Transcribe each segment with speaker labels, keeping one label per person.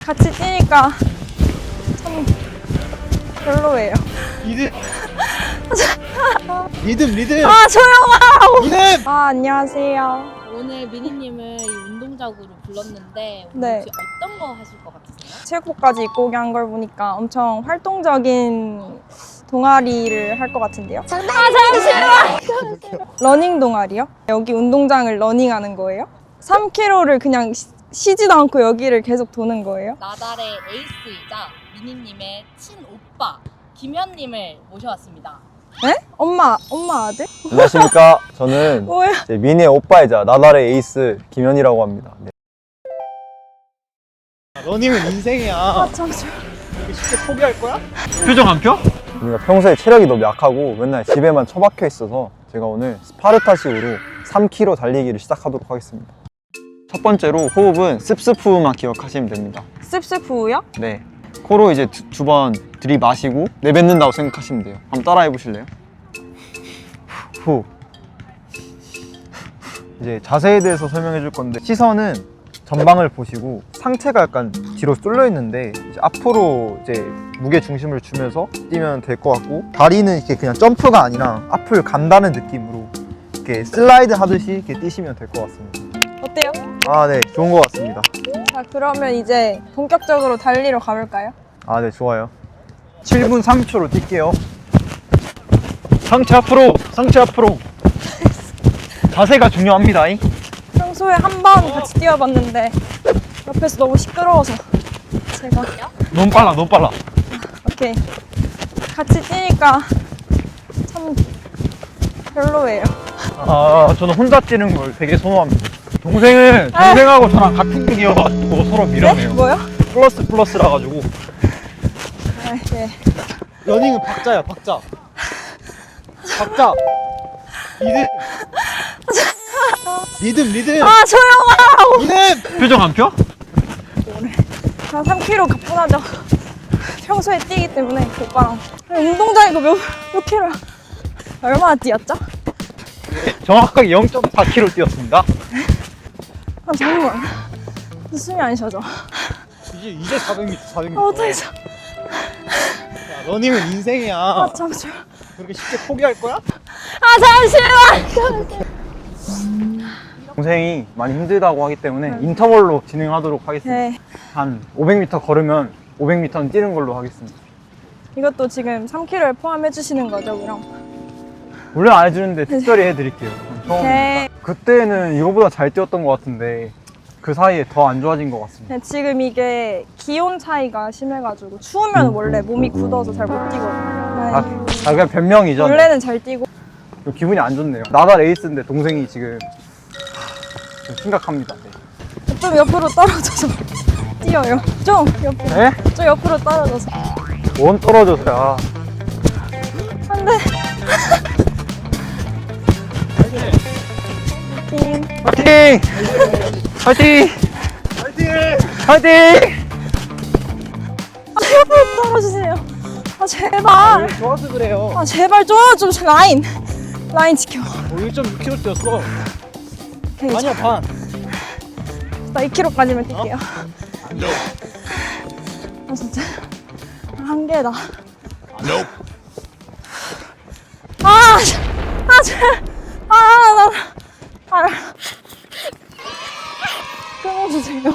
Speaker 1: 같이 뛰니까 참 별로예요.
Speaker 2: 리듬. 리듬.
Speaker 1: 아 조용하라고.
Speaker 2: 리듬.
Speaker 1: 아 안녕하세요.
Speaker 3: 오늘 미니님을 이 운동장으로 불렀는데 오늘
Speaker 1: 네.
Speaker 3: 혹시 어떤 거 하실 것 같으세요?
Speaker 1: 체육복까지 입고 오게 한 걸 보니까 엄청 활동적인 동아리를 할 것 같은데요. 아 잠시만. 러닝 동아리요? 여기 운동장을 러닝하는 거예요? 3km를 그냥 쉬지도 않고 여기를 계속 도는 거예요?
Speaker 3: 나달의 에이스이자 미니님의 친오빠 김현님을 모셔왔습니다.
Speaker 1: 네? 엄마 아들?
Speaker 4: 안녕하십니까. 저는
Speaker 1: 뭐야?
Speaker 4: 이제 미니의 오빠이자 나달의 에이스 김현이라고 합니다. 네.
Speaker 2: 러닝은 인생이야.
Speaker 1: 아 잠시만.
Speaker 2: 이렇게 쉽게 포기할 거야? 표정 안 펴?
Speaker 4: 우리가 평소에 체력이 너무 약하고 맨날 집에만 처박혀 있어서 제가 오늘 스파르타식으로 3km 달리기를 시작하도록 하겠습니다. 첫 번째로 호흡은 습습후만 기억하시면 됩니다.
Speaker 1: 씁쓸푸요?
Speaker 4: 네. 코로 이제 두 번 들이마시고 내뱉는다고 생각하시면 돼요. 한번 따라해 보실래요? 후. 이제 자세에 대해서 설명해 줄 건데, 시선은 전방을 보시고 상체가 약간 뒤로 쏠려 있는데 이제 앞으로 이제 무게 중심을 주면서 뛰면 될 것 같고, 다리는 이렇게 그냥 점프가 아니라 앞을 간다는 느낌으로 이렇게 슬라이드 하듯이 이렇게 뛰시면 될 것 같습니다.
Speaker 1: 어때요?
Speaker 4: 아, 네, 좋은 것 같습니다.
Speaker 1: 자 그러면 이제 본격적으로 달리러 가볼까요?
Speaker 4: 아, 네, 좋아요. 7분 30초로 뛸게요.
Speaker 2: 상체 앞으로. 자세가 중요합니다.
Speaker 1: 평소에 한 번 같이 뛰어봤는데 옆에서 너무 시끄러워서 제가
Speaker 2: 너무 빨라.
Speaker 1: 오케이 같이 뛰니까 참 별로예요.
Speaker 2: 아, 저는 혼자 뛰는 걸 되게 선호합니다. 동생하고 저랑 같은 길이어가지고 서로
Speaker 1: 네?
Speaker 2: 밀어내요.
Speaker 1: 뭐요?
Speaker 2: 플러스라 가지고.
Speaker 1: 아, 네.
Speaker 2: 러닝은 박자야, 박자. 리듬.
Speaker 1: 아 조용하라고.
Speaker 2: 리듬. 표정 안 펴?
Speaker 1: 한 3km 가뿐하죠. 평소에 뛰기 때문에 오빠랑 운동장이고 몇 킬로야? 얼마나 뛰었죠?
Speaker 2: 정확하게 0.4km 뛰었습니다.
Speaker 1: 아 잠깐만 숨이 안 쉬어져.
Speaker 2: 이제 400m.
Speaker 1: 아 어떡하죠?
Speaker 2: 러닝은 인생이야.
Speaker 1: 아 잠시만.
Speaker 2: 그렇게 쉽게 포기할 거야?
Speaker 1: 아 잠시만.
Speaker 4: 동생이 많이 힘들다고 하기 때문에 인터벌로 진행하도록 하겠습니다.
Speaker 1: 네.
Speaker 4: 한 500m 걸으면 500m는 뛰는 걸로 하겠습니다.
Speaker 1: 이것도 지금 3kg를 포함해 주시는 거죠, 그럼?
Speaker 4: 물론 안 해주는데 특별히 해드릴게요. 처음이니까.
Speaker 1: 네.
Speaker 4: 그때는 이거보다 잘 뛰었던 것 같은데 그 사이에 더 안 좋아진 것 같습니다.
Speaker 1: 네, 지금 이게 기온 차이가 심해가지고 추우면 원래 몸이 굳어서 잘 못 뛰거든요. 네.
Speaker 4: 그냥 변명이죠.
Speaker 1: 원래는 잘 뛰고.
Speaker 4: 기분이 안 좋네요. 나달 에이스인데 동생이 지금 좀 심각합니다. 네.
Speaker 1: 좀 옆으로 떨어져서 뛰어요. 좀 옆으로.
Speaker 4: 네?
Speaker 1: 좀 옆으로 떨어져서.
Speaker 4: 원 떨어져서야.
Speaker 1: 안 돼. 띵.
Speaker 4: 파이팅! 파이팅! 파이팅!
Speaker 1: 아, 옆으로 떨어지세요. 아, 제발.
Speaker 2: 좋아서 그래요.
Speaker 1: 아, 제발 좀 라인 지켜.
Speaker 2: 1.6km 뛰었어.
Speaker 1: 오케이,
Speaker 2: 아니야, 반.
Speaker 1: 나 2kg까지만 뛸게요. 아, 진짜. 한계다. 끊어주세요.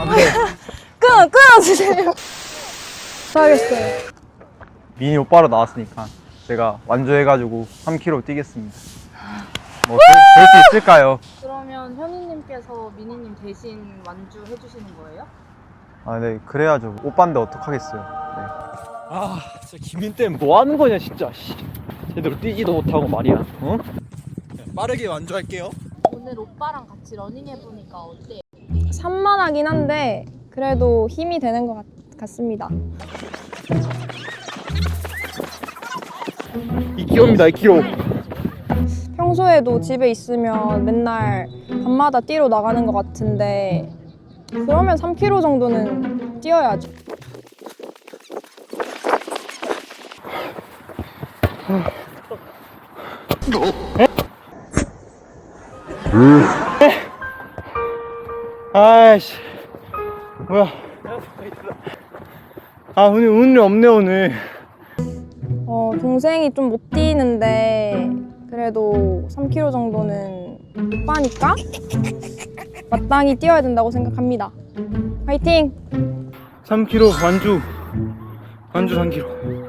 Speaker 1: 끊어주세요. 알겠어요.
Speaker 4: 미니 오빠로 나왔으니까 제가 완주해가지고 3km 뛰겠습니다. 뭐 될 수 있을까요?
Speaker 3: 그러면 현이님께서 미니님 대신 완주해 주시는 거예요?
Speaker 4: 아, 네, 그래야죠. 오빠인데 어떡하겠어요. 네.
Speaker 2: 아, 진짜 김민 때문에 뭐 하는 거냐, 진짜. 제대로 뛰지도 못하고 말이야. 어? 빠르게 완주할게요.
Speaker 3: 오늘 오빠랑 같이 러닝 해보니까 어때요?
Speaker 1: 산만하긴 한데 그래도 힘이 되는 것 같습니다.
Speaker 2: 2km입니다, 2km.
Speaker 1: 평소에도 집에 있으면 맨날 밤마다 뛰러 나가는 것 같은데 그러면 3km 정도는 뛰어야죠.
Speaker 2: 아이씨. 뭐야. 아 오늘 운이 없네 오늘.
Speaker 1: 동생이 좀 못 뛰는데 그래도 3km 정도는 오빠니까 마땅히 뛰어야 된다고 생각합니다. 화이팅!
Speaker 2: 3km 완주 3km.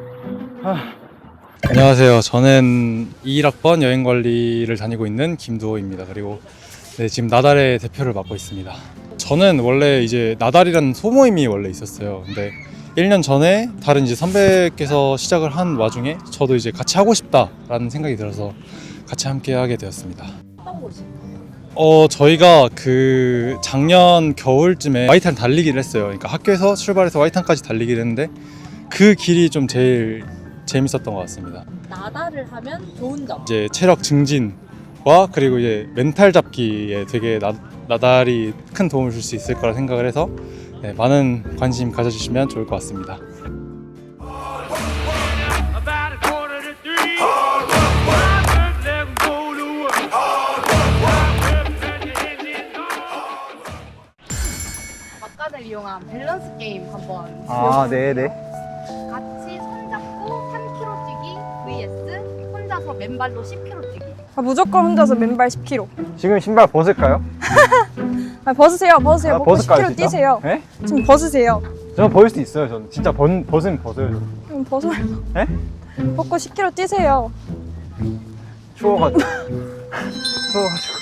Speaker 5: 안녕하세요. 저는 21학번 여행관리를 다니고 있는 김두호입니다. 그리고 네, 지금 나달의 대표를 맡고 있습니다. 저는 원래 이제 나달이라는 소모임이 원래 있었어요. 근데 1년 전에 다른 이제 선배께서 시작을 한 와중에 저도 이제 같이 하고 싶다라는 생각이 들어서 같이 함께 하게 되었습니다.
Speaker 3: 어떤 곳인가요?
Speaker 5: 저희가 그 작년 겨울쯤에 와이탄 달리기를 했어요. 그러니까 학교에서 출발해서 와이탄까지 달리기를 했는데 그 길이 좀 제일 재밌었던 것 같습니다.
Speaker 3: 나달을 하면 좋은 점.
Speaker 5: 이제 체력 증진과 그리고 이제 멘탈 잡기에 되게 나달이 큰 도움을 줄 수 있을 거라 생각을 해서 네, 많은 관심 가져주시면 좋을 것 같습니다.
Speaker 3: 막간을 이용한 밸런스 게임 한번
Speaker 4: 아, 네네.
Speaker 3: 같이 손잡고 3km 뛰기 vs 혼자서 맨발로 10km 뛰기.
Speaker 1: 무조건 혼자서 맨발 10km.
Speaker 4: 지금 신발 벗을까요?
Speaker 1: 벗으세요. 벗고
Speaker 4: 벗을까요,
Speaker 1: 10km
Speaker 4: 진짜?
Speaker 1: 뛰세요.
Speaker 4: 네?
Speaker 1: 지금 벗으세요.
Speaker 4: 저는 벗을 수 있어요. 저는 진짜 벗으면 벗어요. 저는.
Speaker 1: 그럼 벗어요.
Speaker 4: 네?
Speaker 1: 벗고 10km 뛰세요.
Speaker 4: 추워가지고. 추워가지고.